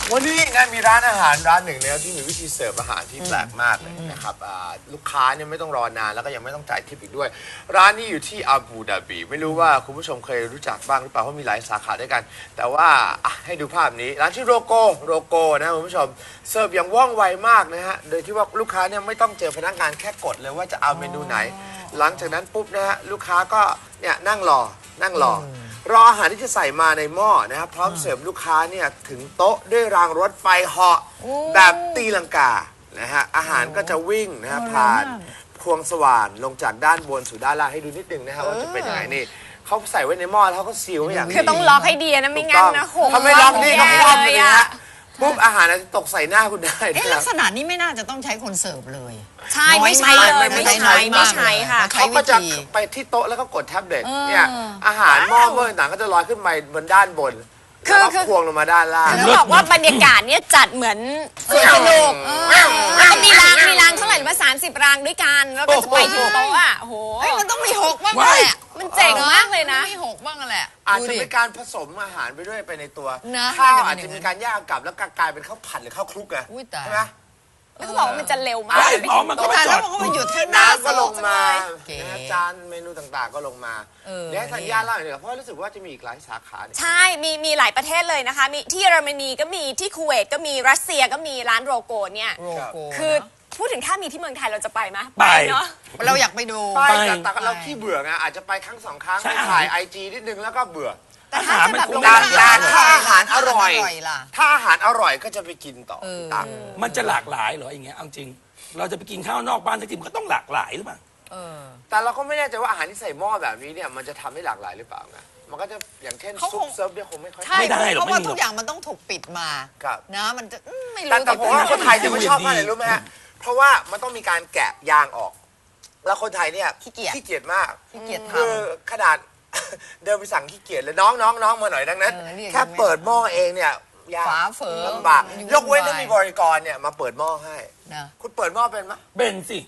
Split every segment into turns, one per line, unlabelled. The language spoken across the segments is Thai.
วันนี้นะมีร้านอาหารร้านหนึ่งนะครับที่มีวิธีเสิร์ฟอาหารที่แปลกมากเลยนะครับลูกค้าเนี่ยไม่ต้องรอนานแล้วก็ยังไม่ต้องจ่ายทิปอีกด้วยร้านนี้อยู่ที่อาบูดาบีไม่รู้ว่าคุณผู้ชมเคยรู้จักบ้างหรือเปล่าเพราะมีหลายสาขาด้วยกันแต่ว่าให้ดูภาพนี้ร้านชื่อโรโกนะคุณผู้ชมเสิร์ฟอย่างว่องไวมากนะฮะโดยที่ว่าลูกค้าเนี่ยไม่ต้องเจอพนักงานแค่กดเลยว่าจะเอาเมนูไหนหลังจากนั้นปุ๊บนะฮะลูกค้าก็เนี่ยนั่งรออาหารที่จะใส่มาในหม้อนะครับพร้อมเสิร์ฟลูกค้าเนี่ยถึงโต๊ะด้วยรางรถไฟเหาะแบบตีลังกานะฮะอาหารก็จะวิ่งนะฮะผ่านพวงสว่านลงจากด้านบนสู่ด้านล่างให้ดูนิดนึงนะฮะว่าจะเป็นยังไงนี่เขาใส่ไว้ในหม้อแล้วเขาก็ซีลไว้อย่างดี
คือต้องล็อกให้ดีนะไม่งั้นนะโห
ถ้าไม่ล็อกนี่ก็คว่ำเลยนะฮะปุ๊บอาหารจะตกใส่หน้าคุณได้
ลักษณะนี้ไม่น่าจะต้องใช้คนเสิร์ฟเลย
ใช่ไม่ใช่เลยไม่ใช่ค่ะ
เขาก็จะไปที่โต๊ะแล้วก็กดแท็บเล็ตเนี่ยอาหารหม้อต่างๆก็จะลอยขึ้นไปบนด้านบนแล้วก็ควงลงมาด้านล่าง
เขาบอกว่าบรรยากาศเนี่ยจัดเหมือนสวนสนุกแล้วก็มีรางเท่าไหร่มา30 รางด้วยกันแล้วก็จะไปถึงโต๊ะอ่ะโอ้โห
มันต้องมี6บ้างแหละ
มันเจ๋งมากเลยนะ
มี6บ้างแหละ
อาจจะมีการผสมอาหารไปด้วยไปในตัวข้าวอาจจะมีการย่างกลับแล้วกลายเป็นข้าวผัดหรือข้าวคลุกไงใช่ไหม
เขาบอกว่ามันจะเร็วมาก
มันก็มาแล้วมันก็มาหยุดที่น้
ำก็ลงมาจานเมนูต่างๆก็ลงมาเดี๋ยวให้ธัญญาเล่าหน่อยเพราะรู้สึกว่าจะมีอีกหลายสาขา
ใช่มีหลายประเทศเลยนะคะมีที่เยอรมนีก็มีที่คูเวตก็มีรัสเซียก็มีร้านโรโกเนี่ยคือพูดถึงถ้ามีที่เมืองไทยเราจะไปไหม
ไป
เนาะ
เราอยากไปดู
ไปแต่เราขี้เบื่อไงอาจจะไปครั้ง2 ครั้งไปถ่ายIGนิดนึงแล้วก็เบื่อ
แต่ถ้าจะแบบ
ถ้าอาหารอร่อยถ้าอาหารอร่อยก็จะไปกินต่อ
มันจะหลากหลายเหรออย่างเงี้ยเอาจริงเราจะไปกินข้าวนอกบ้านสักทีมันก็ต้องหลากหลายหรือเปล่า
แต่เราก็ไม่แน่ใจว่าอาหารที่ใส่หม้อแบบนี้เนี่ยมันจะทำให้หลากหลายหรือเปล่าไงมันก็จะอย่างเช่นซุปเซิร์ฟเนี่ยคงไม่ค่อย
ได้หรอก
เพราะว่าทุกอย่างมันต้องถูกปิดมานะมันจะไม่รู้
แต่ผมว่าคนไทยจะไม่ชอบมากเลยรู้ไหมฮะเพราะว่ามันต้องมีการแกะยางออกแล้วคนไทยเนี่ยขี้เกียจมากคือขนาดเดินไปสั่งขี้เกียจเลยน้องมาหน่อยดังนั้นแค่เปิดหม้อเองเนี่ย
ฝาเฝอ
ลำบากยกเว้นถ้ามีบริกรเนี่ยมาเปิดหม้อให้คุณเปิดหม้อเป็นไหม
เป็นสิ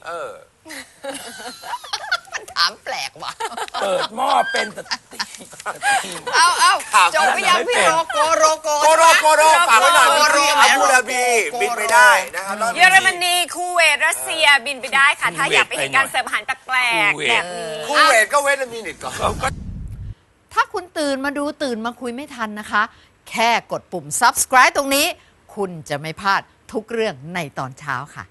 มันถามแปลกว่ะ
เปิดหม้อเป็นแต่
เอาจบไปยังพี่โรโก
ฝากไว้หน่อยที่อาบูดาบีบินไปได้นะครับ
เยอรมนีคูเวตรัสเซียบินไปได้ค่ะถ้าอยากไปเห็นการเสิร์ฟอาหารแปลกๆแบบนี้
คูเวตก็เว้นละมินิตก่อน
ถ้าคุณตื่นมาดูตื่นมาคุยไม่ทันนะคะแค่กดปุ่ม subscribe ตรงนี้คุณจะไม่พลาดทุกเรื่องในตอนเช้าค่ะ